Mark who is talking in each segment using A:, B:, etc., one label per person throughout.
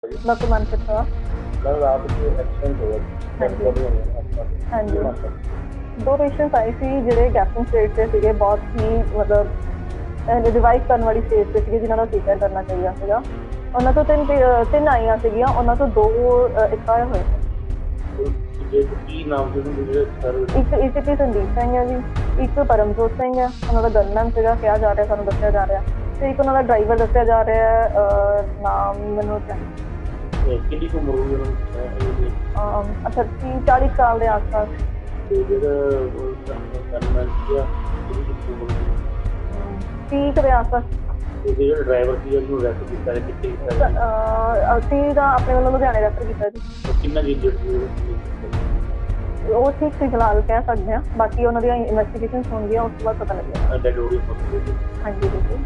A: Doctor Manpreet Kaur.
B: मतलब रात को एक्सीडेंट हो गया।
A: हाँ जी। हाँ जी। 2 ਪੇਸ਼ੈਂਟਸ ਆਏ ਸੀ ਜਿਹੜੇ ਗੈਸਟਿੰਗ ਸਟੇਜ ਤੇ ਸੀਗੇ, ਬਹੁਤ ਹੀ ਮਤਲਬ ਰਿਵਾਈਵ ਕਰਨ ਵਾਲੀ ਸਟੇਜ ਤੇ ਸੀਗੇ, ਜਿਨ੍ਹਾਂ ਦਾ ਸੀਜ਼ਰ ਕਰਨਾ ਚਾਹੀਦਾ ਸੀਗਾ। ਉਹਨਾਂ ਤੋਂ ਤਿੰਨ ਆਈਆਂ ਸੀਗੀਆਂ, ਉਹਨਾਂ ਤੋਂ 2 ਐਕਸਪਾਇਰ ਹੋਏ ਨੇ।
B: ਕੀ ਨਾਮ ਸੀ ਉਹਨਾਂ ਦੇ ਜਿਹੜੇ ਸਰ?
A: ਇੱਕ ਏਸੀਪੀ ਸੰਦੀਪ ਸਿੰਘ ਹੈ ਜੀ, ਇੱਕ ਪਰਮਜੋਤ ਸਿੰਘ ਹੈ, ਉਹਨਾਂ ਦਾ ਗਨਮੈਨ ਸੀਗਾ ਕਿਹਾ ਜਾ ਰਿਹਾ, ਸਾਨੂੰ ਦੱਸਿਆ ਜਾ ਰਿਹਾ, ਤੇ ਇੱਕ ਉਹਨਾਂ ਦਾ ਡਰਾਈਵਰ ਦੱਸਿਆ ਜਾ ਰਿਹਾ ਹੈ, ਨਾਮ ਮੈਨੂੰ
B: ਕਿੰਨੀ ਕੁ ਉਮਰ ਹੋਈ ਉਹਨਾਂ ਦੀ?
A: 40 ਸਾਲ ਦੇ ਆਸ-ਪਾਸ।
B: ਤੇ ਜਿਹੜਾ ਗਨਮੈਨ ਸੀਗਾ ਕਿੰਨੀ ਕੁ ਉਮਰ ਸੀ?
A: 30 ਦੇ ਆਸ-ਪਾਸ।
B: ਤੇ ਜਿਹੜਾ ਡਰਾਈਵਰ ਸੀ ਉਹਨੂੰ ਰੈਫਰ ਕੀਤਾ ਹੈ, ਕਿੱਥੇ ਕੀਤਾ ਹੈ?
A: ਅਸੀਂ ਤਾਂ ਆਪਣੇ ਵੱਲੋਂ ਲੁਧਿਆਣੇ ਰੈਫਰ ਕੀਤਾ ਜੀ।
B: ਕਿੰਨਾ ਜੀ ਇੰਜਰਡ ਸੀ
A: ਉਹ ਠੀਕ ਸੀ ਫਿਲਹਾਲ ਕਹਿ ਸਕਦੇ ਹਾਂ, ਬਾਕੀ ਉਹਨਾਂ ਦੀਆਂ ਇਨਵੈਸਟੀਗੇਸ਼ਨਸ ਹੋਣਗੀਆਂ, ਉਸ ਤੋਂ ਬਾਅਦ ਪਤਾ ਲੱਗੇਗਾ।
B: ਡੈਡ ਬੋਡੀ ਪਹੁੰਚੀ?
A: ਹਾਂਜੀ ਬਿਲਕੁਲ।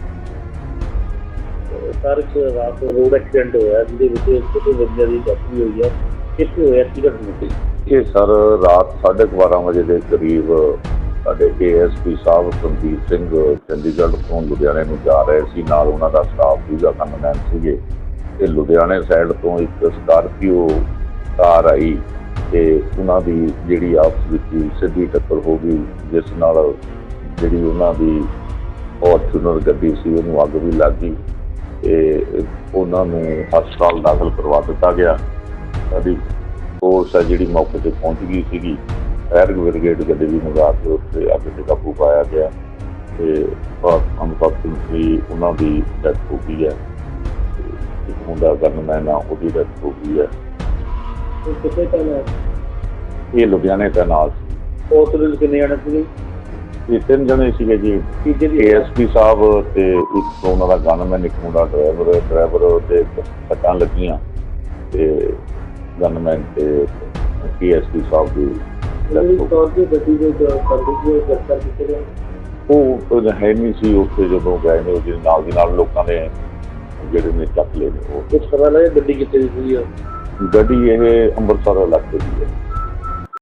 B: ਸਰ ਇੱਕ ਰਾਤ ਰੋਡ ਐਕਸੀਡੈਂਟ ਹੋਇਆ ਜਿਹਦੇ ਵਿੱਚ ਛੋਟੇ ਬੱਚਿਆਂ ਦੀ ਡੈਥ ਵੀ ਹੋਈ ਹੈ, ਕਿੱਥੇ ਹੋਇਆ ਕੀ ਘਟਨਾ ਸੀ?
C: ਇਹ ਸਰ ਰਾਤ 12:30 ਵਜੇ ਦੇ ਕਰੀਬ ਸਾਡੇ ਏਐਸਪੀ ਸਾਹਿਬ ਸੰਦੀਪ ਸਿੰਘ ਚੰਡੀਗੜ੍ਹ ਤੋਂ ਲੁਧਿਆਣੇ ਨੂੰ ਜਾ ਰਹੇ ਸੀ, ਨਾਲ ਉਹਨਾਂ ਦਾ ਸਟਾਫ ਸੀਗਾ, ਕਨਮੈਨ ਸੀਗੇ, ਤੇ ਲੁਧਿਆਣੇ ਸਾਈਡ ਤੋਂ ਇੱਕ ਸਕਾਰਪੀਓ ਕਾਰ ਆਈ ਤੇ ਉਹਨਾਂ ਦੀ ਜਿਹੜੀ ਆਪਸ ਵਿੱਚ ਸਿੱਧੀ ਟੱਕਰ ਹੋ ਗਈ, ਜਿਸ ਨਾਲ ਜਿਹੜੀ ਉਹਨਾਂ ਦੀ ਫੋਰਚੂਨਰ ਗੱਡੀ ਸੀ ਉਹਨੂੰ ਅੱਗ ਵੀ ਲੱਗ ਗਈ ਤੇ ਉਹਨਾਂ ਨੂੰ ਹਸਪਤਾਲ ਦਾਖਲ ਕਰਵਾ ਦਿੱਤਾ ਗਿਆ। ਸਾਡੀ ਫੋਰਸ ਹੈ ਜਿਹੜੀ ਮੌਕੇ 'ਤੇ ਪਹੁੰਚ ਗਈ ਸੀਗੀ, ਫਾਇਰ ਬ੍ਰਿਗੇਡ ਗੱਡੀ ਵੀ ਮੰਗਾ ਕੇ ਉੱਥੇ ਅੱਗ 'ਤੇ ਕਾਬੂ ਪਾਇਆ ਗਿਆ ਤੇ ਅਨਫੋਰਚੂਨਟਲੀ ਉਹਨਾਂ ਦੀ ਡੈਥ ਹੋ ਗਈ ਹੈ। ਇੱਕ ਮੁੰਡਾ ਗਨਮੈਨ ਆ, ਉਹਦੀ ਡੈਥ ਹੋ ਗਈ ਹੈ।
B: ਕਿੱਥੇ ਚੱਲਿਆ?
C: ਇਹ ਲੁਧਿਆਣੇ ਦਾ ਨਾਲ ਸੀ।
B: ਹਸਪਤਾਲ ਕਿੰਨੇ ਜਾਣੇ ਸੀਗੇ?
C: ਇਹ 3 ਜਣੇ ਸੀਗੇ ਜੀ, ਏਐਸਪੀ ਸਾਹਿਬ ਤੇ ਇੱਕ ਉਹਨਾਂ ਦਾ ਗਨਮੈਨ, ਇੱਕ ਮੁੰਡਾ ਡਰਾਈਵਰ ਤੇ ਸੱਟਾਂ ਲੱਗੀਆਂ ਤੇ ਗਨਮੈਨ ਤੇ ਏਐਸਪੀ ਸਾਹਿਬ ਦੀ
B: ਗੱਡੀ ਦੇ ਗ੍ਰਿਫਤਾਰ ਕੀਤੇ ਗਏ?
C: ਉਹ ਹੈ ਨਹੀਂ ਸੀ ਉੱਥੇ ਜਦੋਂ ਗਏ ਨੇ, ਉਹਦੇ ਨਾਲ ਦੀ ਨਾਲ ਲੋਕਾਂ ਨੇ ਜਿਹੜੇ ਨੇ ਚੱਕ ਲਏ ਨੇ। ਉਹ
B: ਕੁਛ ਪਤਾ ਲੱਗਿਆ ਗੱਡੀ ਕਿੱਥੇ ਦੀ ਸੀ?
C: ਗੱਡੀ ਇਹ ਅੰਮ੍ਰਿਤਸਰ ਇਲਾਕੇ ਦੀ ਹੈ।